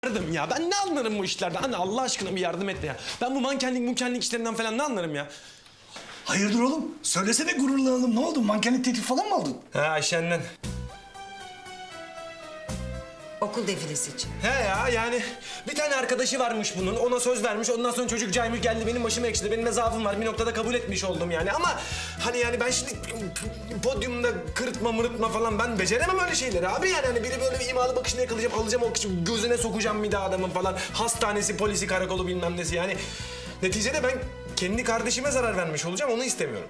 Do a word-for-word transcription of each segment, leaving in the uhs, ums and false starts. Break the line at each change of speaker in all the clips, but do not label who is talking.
Yardım ya. Ben ne anlarım bu işlerden? Anne Allah aşkına bir yardım et de ya. Ben bu mankenlik munkenlik işlerinden falan ne anlarım ya?
Hayırdır oğlum? Söylesene gururlanalım. Ne oldu? Mankenlik teklif falan mı aldın?
He Ayşen'den.
Okul defilesi için.
He ya yani bir tane arkadaşı varmış bunun. Ona söz vermiş. Ondan sonra çocuk caymış geldi benim başıma ekşidi. Benim de zaafım var. Bir noktada kabul etmiş oldum yani. Ama hani yani ben şimdi podyumda kırıtma mırıtma falan ben beceremem öyle şeyleri abi. Yani hani biri böyle bir imalı bakışını yakalayacağım. Alacağım o kişi gözüne sokacağım bir de adamın falan. Hastanesi, polisi, karakolu bilmem nesi yani. Neticede ben kendi kardeşime zarar vermiş olacağım. Onu istemiyorum.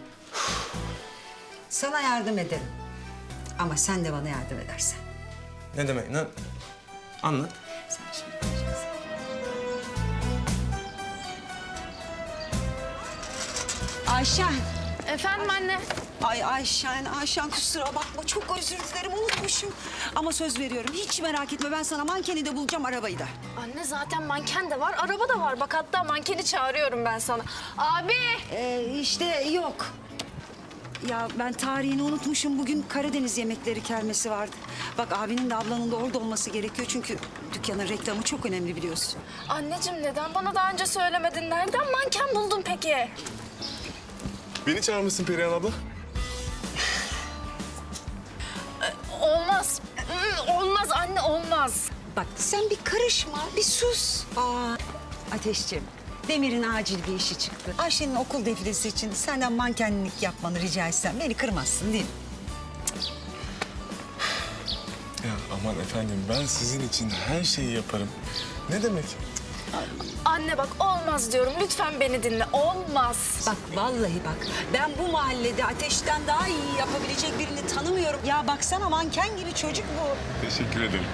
Sana yardım ederim. Ama sen de bana yardım edersen.
Ne demek? Ne? Anlat.
Sen şimdi göreceksin. Ayşen.
Efendim anne.
Ay Ayşen, Ayşen kusura bakma. Çok özür dilerim, unutmuşum. Ama söz veriyorum, hiç merak etme. Ben sana mankeni de bulacağım, arabayı da.
Anne zaten manken de var, araba da var. Bak hatta mankeni çağırıyorum ben sana. Abi.
Ee, işte yok. Ya ben tarihini unutmuşum. Bugün Karadeniz yemekleri kermesi vardı. Bak abinin de ablanın da orada olması gerekiyor. Çünkü dükkanın reklamı çok önemli biliyorsun.
Anneciğim neden bana daha önce söylemedin? Nereden manken buldun peki?
Beni çağırmışsın Perihan abla.
Olmaz. Hmm, Olmaz anne olmaz.
Bak sen bir karışma, bir sus. Aa, Ateşciğim, Demir'in acil bir işi çıktı. Ayşe'nin okul defilesi için senden mankenlik yapmanı rica etsem beni kırmazsın değil mi?
Ya aman efendim ben sizin için her şeyi yaparım. Ne demek?
Anne bak olmaz diyorum. Lütfen beni dinle. Olmaz.
Bak vallahi bak, ben bu mahallede Ateş'ten daha iyi yapabilecek birini tanımıyorum. Ya baksana manken gibi çocuk bu.
Teşekkür ederim.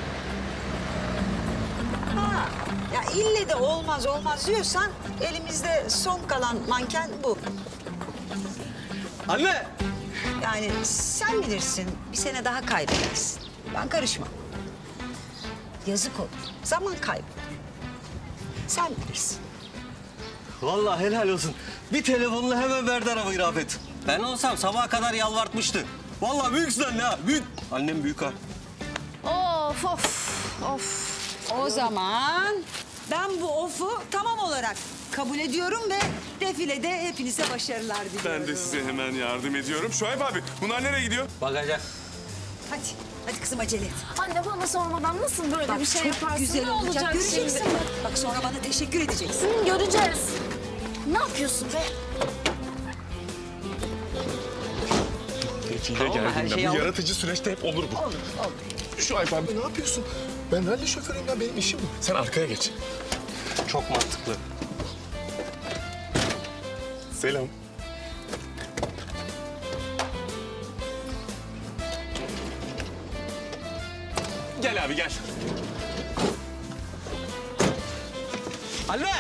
Ha, ya ille de olmaz olmaz diyorsan elimizde son kalan manken bu.
Anne!
Yani sen bilirsin, bir sene daha kaybedersin. Ben karışmam. Yazık olur, zaman kaybı. Sen bilirsin.
Vallahi helal olsun. Bir telefonla hemen verdi arabayı Rafet. Ben olsam sabaha kadar yalvartmıştı. Vallahi büyüksün anne ha, büyük. Annem büyük ha.
Of of of.
O zaman ben bu ofu tamam olarak kabul ediyorum ve defilede hepinize başarılar diliyorum.
Ben de size hemen yardım ediyorum. Şuayb abi bunlar nereye gidiyor?
Bagaja.
Hadi, hadi kızım acele et.
Anne bana sormadan nasıl böyle
Bak
bir şey
çok
yaparsın?
güzel
Ne
olacak,
olacak
göreceksin
şimdi?
bak. Bak sonra bana teşekkür edeceksin.
Hı, göreceğiz. Ne yapıyorsun be?
Peki ya
Tamam, her
geldiğinde
şeyi
bu
aldım.
yaratıcı süreçte hep olur bu. Olur, olur. Şuayb abi ne yapıyorsun? Ben ralli şoförüyüm ya benim işim bu. Sen arkaya geç.
Çok mantıklı.
Selam. Gel abi gel.
Anne!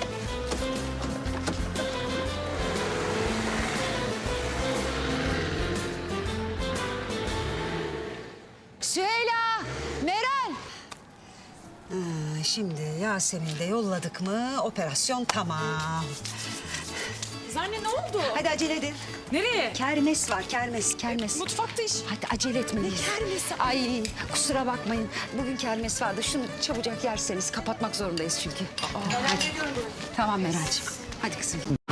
Süheyla, Meral. Ee, şimdi Yasemin'i de yolladık mı operasyon tamam.
Anne ne oldu?
Hadi acele edin.
Nereye?
Kermes var, kermes, kermes.
Mutfakta iş.
Hadi acele etmeliyiz.
kermesi?
Ay kusura bakmayın. Bugün kermes vardı. Şunu çabucak yerseniz kapatmak zorundayız çünkü. Aa, hadi. Tamam Meral'cığım. Hadi kızım.